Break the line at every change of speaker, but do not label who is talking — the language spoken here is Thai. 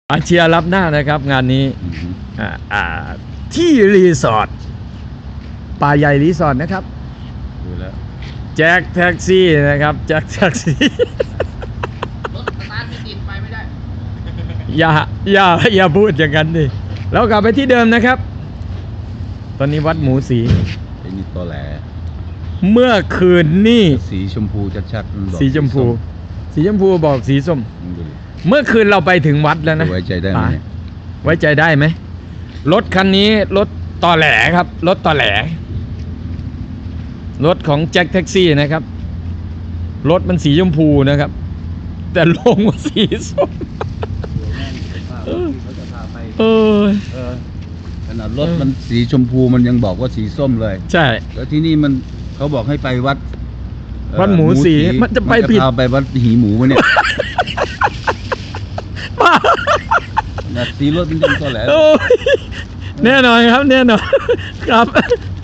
อาเชียร์รับหน้านะครับงานนี้ที่รีสอร์ทป่าใหญ่รีสอร์ทนะครับ
ดูแล้ว
แจ็คแท็กซี่นะครับแจ็คแท็กซี่
รถสตาร์ทไม่ติดไปไม่ได้
อย่าพูดอย่างนั้นดิเรากลับไปที่เดิมนะครับ ตอนนี้วัดหมูสี
ไอ้นี่ตอแหล
เมื่อคืนนี่
สีชมพูชัดๆมันบอก
สีชมพู สีชมพูบอกสีส้ม
มึงดูดิ
เมื่อคืนเราไปถึงวัดแล้วนะ
ไว้ใจได้ไหมเนี่ย
ไว้ใจได้ไหมรถคันนี้รถตอแหลครับรถตอแหลรถของแจ็คแท็กซี่นะครับรถมันสีชมพูนะครับ แต่ลงว่าสีส้ม
เขาจะพาไป
เออ
ขนาดรถมันสีชมพูมันยังบอกว่าสีส้มเลย
ใช่
แล้วที่นี่มันเขาบอกให้ไปวัด
วัดหมูสีมันจะไปผิด
พาไปวัดหีหมูวะเนี่ยขนาดสีรถมันยังตอแหล
โอ้ยแน่นอนครับแน่นอนครับ